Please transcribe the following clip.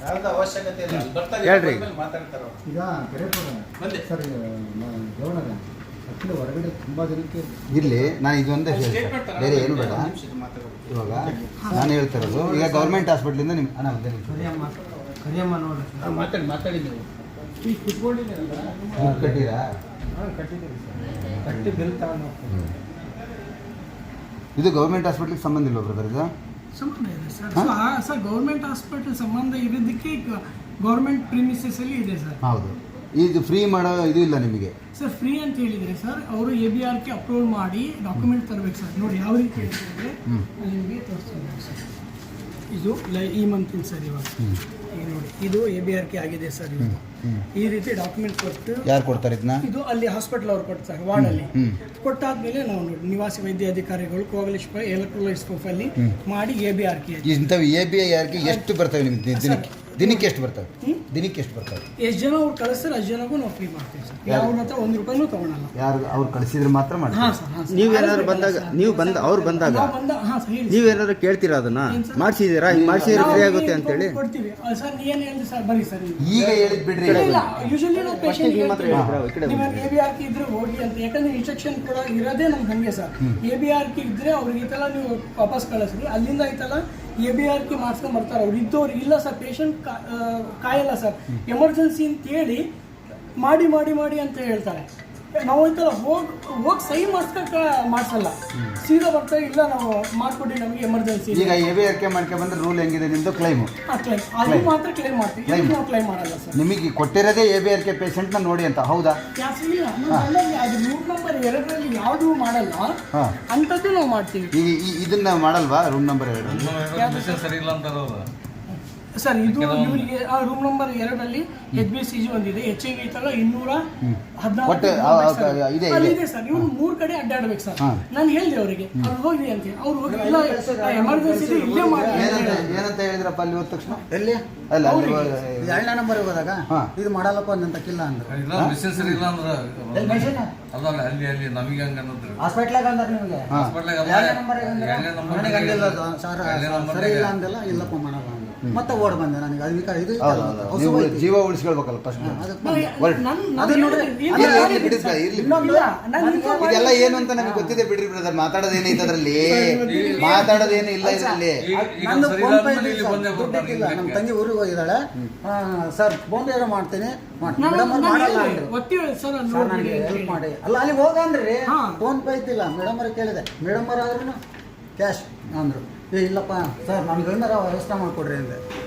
ಯಾವ್ದು ಅವಶ್ಯಕತೆ ಇಲ್ಲ. ಬರ್ತಾರೆ ಹೇಳ್ರಿ. ಮಾತಾಡ್ತಾರೆ ಅವ್ರು. ಈಗ ಬಂದೆ. ಸರ್ ಗೌರವ ಆ್ಯಕ್ಚುಲಿ ಹೊರಗಡೆ ತುಂಬ ಜನಕ್ಕೆ ಇರಲಿ, ನಾನು ಇದೊಂದೇ ಸ್ಟೇಟ್ಮೆಂಟ್ ಹೇಳ್ತೀನಿ, ಬೇರೆ ಏನು ಬೇಡ. ಇವಾಗ ನಾನು ಹೇಳ್ತಾ ಇರೋದು, ಈಗ ಗೌರ್ಮೆಂಟ್ ಹಾಸ್ಪಿಟ್ಲಿಂದ ನಿಮ್ಮ ಅಣ್ಣ ಒಂದೇ ನಿಮಿಷ ಕರಿಯಮ್ಮ ನೋಡಿ ಮಾತಾಡಿ ನೀವು ಈಗ ಕುತ್ಕೊಂಡಿದ್ದೀರಲ್ಲ ಕಟ್ಟಿರಾ? ಕಟ್ಟಿದ್ದೀರಿ ಸರ್, ಕಟ್ಟಿ ಬಿಲ್ ತಗೊಂಡು ಹೋಗ್ತೀನಿ. ಇದು ಗೌರ್ಮೆಂಟ್ ಹಾಸ್ಪಿಟ್ಲಿಗೆ ಸಂಬಂಧ ಇಲ್ವಾ ಬ್ರದರ್ ಇದು? ಸಂಬಂಧ ಇದೆ ಸರ್. ಸರ್ ಗೌರ್ಮೆಂಟ್ ಹಾಸ್ಪಿಟಲ್ ಸಂಬಂಧ ಇರೋದಕ್ಕೆ ಗೌರ್ಮೆಂಟ್ ಪ್ರಿಮಿಸಸ್ ಅಲ್ಲಿ ಇದೆ ಸರ್. ಹೌದು. ಇದು ಫ್ರೀ ಮಾಡೋ ಇದು ಇಲ್ಲ ನಿಮಗೆ ಸರ್. ಫ್ರೀ ಅಂತ ಹೇಳಿದರೆ ಸರ್ ಅವರು ABRK ಅಪ್ರೂವ್ ಮಾಡಿ ಡಾಕ್ಯುಮೆಂಟ್ ತರಬೇಕು ಸರ್. ನೋಡಿ ಯಾವ ರೀತಿ ಹೇಳ್ತಿದ್ರೆ ನಿಮಗೆ ತೋರಿಸ್ತೀನಿ ಸರ್. ಇದು ಈ ಮಂತಿನ ಸರ್. ಇವಾಗ ಈಗ ನೋಡಿ ಇದು ABRK ಆಗಿದೆ ಸರ್. ಇದು ಈ ರೀತಿ ಡಾಕ್ಯುಮೆಂಟ್ ಕೊಟ್ಟು ಯಾರು ಕೊಡ್ತಾರೆ ಇದನ್ನ? ಇದು ಅಲ್ಲಿ ಹಾಸ್ಪಿಟಲ್ ಅವ್ರು ಕೊಡ್ತಾರೆ ವಾರ್ಡಲ್ಲಿ. ಕೊಟ್ಟಾದ್ಮೇಲೆ ನಾವು ನೋಡಿ ನಿವಾಸಿ ವೈದ್ಯಾಧಿಕಾರಿಗಳು ಕೋವಲಿಶ್ ಎಲೆಕ್ಟ್ರೋಲೈಟ್ಸ್ ಪ್ರೊಫೈಲಿ ಮಾಡಿ ABRK ಇಂಥವು ABRK ಎಷ್ಟು ಬರ್ತವೆ ನಿಮ್ಗೆ ದಿನಕ್ಕೆ ಎಷ್ಟು ಬರ್ತವೆ? ದಿನಕ್ಕೆ ಎಷ್ಟು ಬರ್ತವೆ? ಎಷ್ಟು ಜನ ಅವ್ರು ಕಳಿಸ್ತಾರೆ ಅಷ್ಟು ಜನಗೂ ನಾವು ಫ್ರೀ ಮಾಡ್ತೀವಿ ಸರ್. ಯಾವ್ರ ಹತ್ರ ₹1 ತಗೊಳಲ್ಲ. ಯಾರು ಅವ್ರು ಕಳಿಸಿದ್ರೆ ಮಾತ್ರ ಮಾಡಿ. ಹಾಂ ಸರ್. ಹಾಂ ಸರ್. ನೀವೇನಾದ್ರು ಬಂದಾಗ ಅವ್ರು ಬಂದಾಗ ಹಾಂ ಸರ್ ಹೇಳಿ. ನೀವೇನಾದ್ರು ಕೇಳ್ತೀರಾ ಅದನ್ನ ಮಾಡಿಸಿದ್ದೀರಾ, ಹಿಂಗೆ ಮಾಡಿಸಿದ್ರೆ ಫ್ರೀ ಆಗುತ್ತೆ ಅಂತೇಳಿ ಕೊಡ್ತೀವಿ ಸರ್. ಏನು ಹೇಳಿದ್ರಿ ಸರ್? ಬನ್ನಿ ಸರ್. ಈಗ ಹೇಳಿದ್ ಬಿಡ್ರಿ. ಇಲ್ಲ ಯೂಶಲಿ ನಾವು ಪೇಷಂಟ್ ಈ ABRK ಇದ್ರೆ ಹೋಗಿ ಅಂತ. ಯಾಕಂದ್ರೆ ಇನ್ಸ್ಟ್ರಕ್ಷನ್ ಕೂಡ ಇರೋದೇ ನಮ್ಗೆ ಹಂಗೆ ಸರ್. ABRK ಇದ್ರೆ ಅವ್ರಿಗೆ ಈ ಥರ ನೀವು ವಾಪಸ್ ಕಳಿಸ್ರಿ, ಅಲ್ಲಿಂದ ಐತಲ್ಲ ABRK ಮಾಡ್ಸ್ಕೊಂಡು ಬರ್ತಾರೆ. ಅವ್ರು ಇದ್ದವ್ರು ಇಲ್ಲ ಸರ್, ಪೇಷಂಟ್ ಕಾಯಲ್ಲ ಸರ್, ಎಮರ್ಜೆನ್ಸಿ ಅಂತ ಹೇಳಿ ಮಾಡಿ ಮಾಡಿ ಮಾಡಿ ಅಂತ ಹೇಳ್ತಾರೆ. ನಾವು ಐತಲ್ಲ ಹೋಗಿ ಸಹಿ ಮಾಡಿಸಲ್ಲ, ಸೀದಾ ಬರ್ತಾರೆ. ಇಲ್ಲ ನಾವು ಮಾಡ್ಕೊಡಿ, ನಮಗೆ ಎಮರ್ಜೆನ್ಸಿ. ಈಗ ABRK ಮಾಡ್ಕೊಂಡು ಬಂದ್ರೆ ರೂಲ್ ಹೆಂಗಿದೆ ನಿಮ್ದು? ಕ್ಲೈಮು ಅದು ಮಾತ್ರ ಕ್ಲೈಮ್ ಮಾಡ್ತೀವಿ, ನಾವು ಕ್ಲೈಮ್ ಮಾಡಲ್ಲ ಸರ್. ನಿಮಗೆ ಕೊಟ್ಟಿರೋದೇ ABRK ಪೇಷಂಟ್ನ ನೋಡಿ ಅಂತ. ಹೌದಾ? ಇಲ್ಲ, ಅದು ರೂಮ್ ನಂಬರ್ 2ರಲ್ಲಿ ಯಾವುದು ಮಾಡಲ್ಲ, ಅಂಥದ್ದು ನಾವು ಮಾಡ್ತೀವಿ. ಈಗ ಇದನ್ನ ಮಾಡಲ್ವಾ ರೂಮ್ ನಂಬರ್ 2? ಸರಿ ಇಲ್ಲ ಅಂತಾರ ಅವರು ಸರ್. ಇದು ಇವರಿಗೆ ರೂಮ್ ನಂಬರ್ 2ರಲ್ಲಿ HBCG ಒಂದಿದೆ, HIV ಐತಲ್ಲ 214 ಇದೆ ಇದೆ ಸರ್. ಇವ್ರು 3 ಕಡೆ ಅಡ್ಡಾಡ್ಬೇಕು ಸರ್. ನಾನು ಹೇಳಿದೆ ಅವರಿಗೆ ಅವ್ರು ಹೋಗಿ ಅಂತ. ಅವ್ರು ಹೋಗಿ ಇಲ್ಲ ಎಮರ್ಜೆನ್ಸಿ ಇದೆ ಇಲ್ಲೇ ಮಾಡಿ ಏನಂತ ಹೇಳಿದ್ರಪ್ಪ ಅಲ್ಲಿ ಹೋದ ತಕ್ಷಣ? ಎಲ್ಲಿ ಅಲ್ಲ ಅಲ್ಲಿ 2ನೇ ನಂಬರ್ ಹೋದಾಗ ಇದು ಮಾಡಲ್ಲಪ್ಪ ಅಂತ ಕಿಲ್ಲ ಅಂದ್ರೆ ಸರಿ ಇಲ್ಲ ಅಂದ್ರೆ ಅಲ್ಲ ಅಲ್ಲಿ ನಮಗೆ ಹಂಗ ಹಾಸ್ಪಿಟ್ಲಾಗ ಅಂದ್ರೆ ನಿಮಗೆ ನನಗೆ ಅಂದಿಲ್ಲ ಸರ್, ಸರಿ ಇಲ್ಲ ಅಂದಿಲ್ಲ, ಇಲ್ಲಪ್ಪ ಮಾಡಲ್ಲ ಅಂದ. ಮತ್ತೆ ಓಡ್ ಬಂದೆ ನನಗೆ. ಅದಕ್ಕೆ ಇದು ನೀವು ಜೀವ ಉಳಿಸ್ಕೊಳ್ಬೇಕಲ್ಲ ಫಸ್ಟ್. ಇದೆಲ್ಲ ಏನು ಅಂತ ನಮಗೆ ಗೊತ್ತಿದೆ ಬಿಡ್ರಿ ಬ್ರದರ್. ಮಾತಾಡೋದೇನೈತೆ ಅದರಲ್ಲಿ? ಮಾತಾಡೋದೇನು ಇಲ್ಲ ಇದರಲ್ಲಿ. ನಂದು ಫೋನ್ ಪೇ ದುಡ್ಡಿಕ್ಕಿಲ್ಲ. ನಮ್ಮ ತಂಗಿ ಊರಿಗೆ ಹೋಗಿದ್ದಾಳೆ. ಸರ್ ಫೋನ್ ಪೇ ಮಾಡ್ತೀನಿ, ಮೇಡಮ್ ಅವ್ರು ಮಾಡಲ್ಲ ಅಂದ್ರು. ಸರ್ ನನಗೆ ಹೆಲ್ಪ್ ಮಾಡಿ. ಅಲ್ಲ ಅಲ್ಲಿ ಹೋಗಂದ್ರಿ ಫೋನ್ ಪೇ ಇದ್ದಿಲ್ಲ. ಮೇಡಮ್ ಅವ್ರಿಗೆ ಕೇಳಿದೆ, ಮೇಡಮ್ ಅವ್ರು ಆದ್ರೂ ಕ್ಯಾಶ್ ಅಂದರು. ಇಲ್ಲಪ್ಪ ಸರ್ ನನಗೆ ಏನಾರ ವ್ಯವಸ್ಥೆ ಮಾಡಿಕೊಡ್ರಿ ಅಂದೆ.